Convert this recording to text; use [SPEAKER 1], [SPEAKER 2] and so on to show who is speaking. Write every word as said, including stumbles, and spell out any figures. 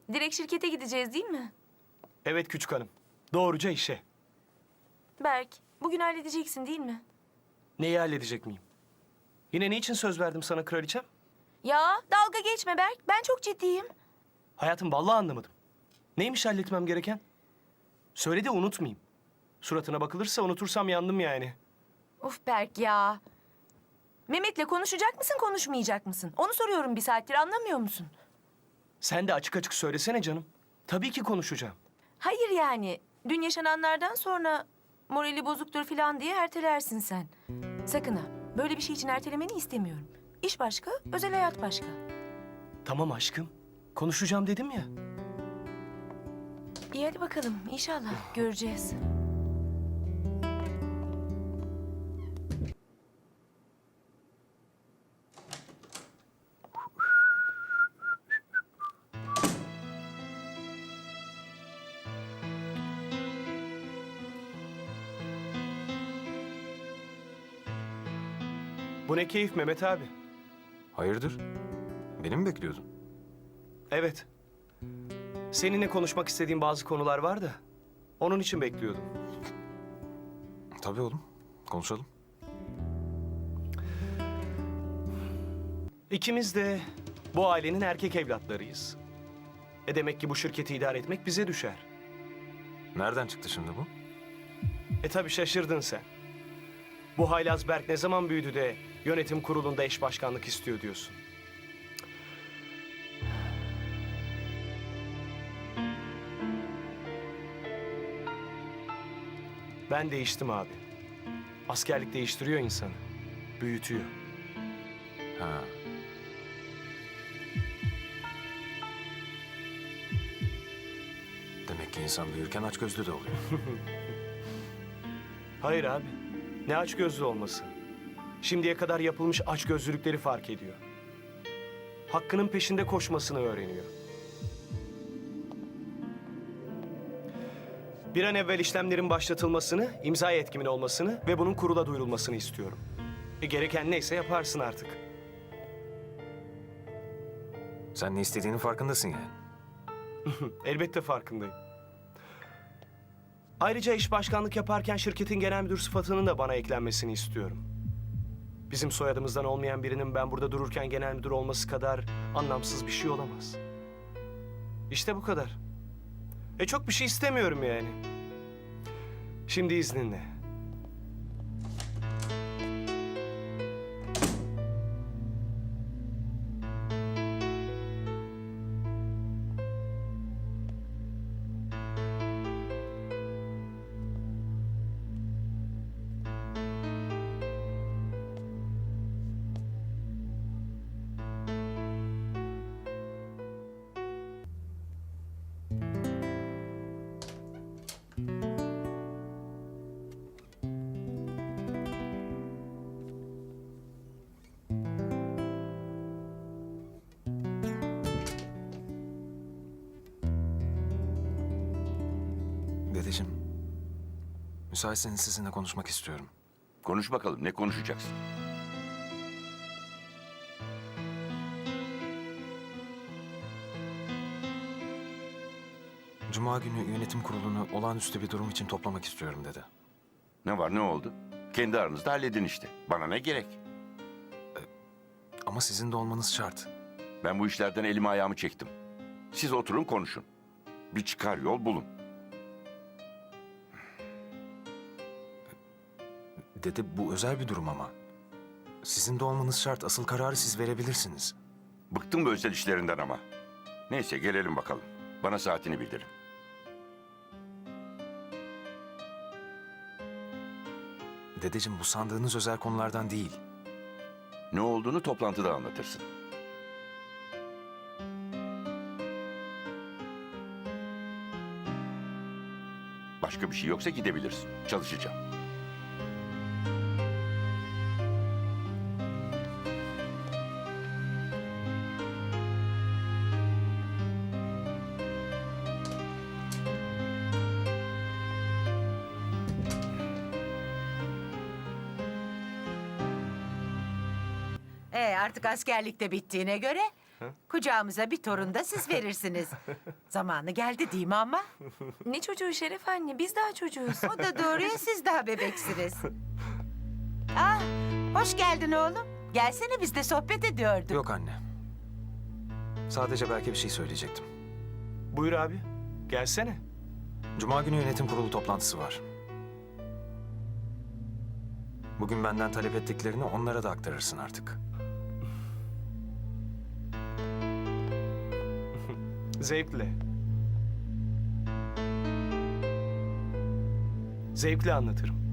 [SPEAKER 1] Direkt şirkete gideceğiz değil mi?
[SPEAKER 2] Evet küçük hanım. Doğruca işe.
[SPEAKER 1] Berk, bugün halledeceksin değil mi?
[SPEAKER 2] Neyi halledecek miyim? Yine ne için söz verdim sana kraliçem?
[SPEAKER 1] Ya dalga geçme Berk. Ben çok ciddiyim.
[SPEAKER 2] Hayatım vallahi anlamadım. Neymiş halletmem gereken? Söyle de unutmayayım. Suratına bakılırsa unutursam yandım yani.
[SPEAKER 1] Of Berk ya. Mehmet'le konuşacak mısın, konuşmayacak mısın? Onu soruyorum bir saattir, anlamıyor musun?
[SPEAKER 2] Sen de açık açık söylesene canım. Tabii ki konuşacağım.
[SPEAKER 1] Hayır yani. Dün yaşananlardan sonra morali bozuktur falan diye ertelersin sen. Sakın ha. Böyle bir şey için ertelemeni istemiyorum. İş başka, özel hayat başka.
[SPEAKER 2] Tamam aşkım. Konuşacağım dedim ya.
[SPEAKER 1] İyi hadi bakalım. İnşallah göreceğiz.
[SPEAKER 2] Bu ne keyif Mehmet abi.
[SPEAKER 3] Hayırdır? Beni mi bekliyordun?
[SPEAKER 2] Evet. Seninle konuşmak istediğim bazı konular var da. Onun için bekliyordum.
[SPEAKER 3] Tabii oğlum. Konuşalım.
[SPEAKER 2] İkimiz de bu ailenin erkek evlatlarıyız. E demek ki bu şirketi idare etmek bize düşer.
[SPEAKER 3] Nereden çıktı şimdi bu?
[SPEAKER 2] E tabii şaşırdın sen. Bu haylaz Berk ne zaman büyüdü de yönetim kurulunda eş başkanlık istiyor diyorsun. Ben değiştim abi. Askerlik değiştiriyor insanı. Büyütüyor.
[SPEAKER 3] Ha. Demek ki insan büyürken açgözlü de oluyor.
[SPEAKER 2] Hayır abi. Ne açgözlü olması. Şimdiye kadar yapılmış açgözlülükleri fark ediyor. Hakkının peşinde koşmasını öğreniyor. Bir an evvel işlemlerin başlatılmasını, imza yetkimin olmasını ve bunun kurula duyurulmasını istiyorum. E gereken neyse yaparsın artık.
[SPEAKER 3] Sen ne istediğinin farkındasın yani.
[SPEAKER 2] Elbette farkındayım. Ayrıca iş başkanlık yaparken şirketin genel müdür sıfatının da bana eklenmesini istiyorum. Bizim soyadımızdan olmayan birinin ben burada dururken genel müdür olması kadar anlamsız bir şey olamaz. İşte bu kadar. E çok bir şey istemiyorum yani. Şimdi izninle.
[SPEAKER 3] Dedeciğim, müsaitseniz sizinle konuşmak istiyorum.
[SPEAKER 4] Konuş bakalım, ne konuşacaksın?
[SPEAKER 3] Cuma günü yönetim kurulunu olağanüstü bir durum için toplamak istiyorum dedi.
[SPEAKER 4] Ne var, ne oldu? Kendi aranızda halledin işte. Bana ne gerek?
[SPEAKER 3] Ama sizin de olmanız şart.
[SPEAKER 4] Ben bu işlerden elimi ayağımı çektim. Siz oturun konuşun. Bir çıkar yol bulun.
[SPEAKER 3] Dede, bu özel bir durum ama. Sizin de olmanız şart. Asıl kararı siz verebilirsiniz.
[SPEAKER 4] Bıktım bu özel işlerinden ama. Neyse gelelim bakalım. Bana saatini bildirin.
[SPEAKER 3] Dedeciğim, bu sandığınız özel konulardan değil.
[SPEAKER 4] Ne olduğunu toplantıda anlatırsın. Başka bir şey yoksa gidebilirsin. Çalışacağım.
[SPEAKER 5] Ee, artık askerlik de bittiğine göre Kucağımıza bir torun da siz verirsiniz. Zamanı geldi değil mi ama?
[SPEAKER 1] Ne çocuğu Şeref anne, biz daha çocuğuz.
[SPEAKER 5] O da doğru ya, siz daha bebeksiniz. Ah, hoş geldin oğlum. Gelsene, biz de sohbet ediyorduk.
[SPEAKER 3] Yok anne. Sadece belki bir şey söyleyecektim.
[SPEAKER 2] Buyur abi. Gelsene.
[SPEAKER 3] Cuma günü yönetim kurulu toplantısı var. Bugün benden talep ettiklerini onlara da aktarırsın artık.
[SPEAKER 2] Zevkle. Zevkle anlatırım.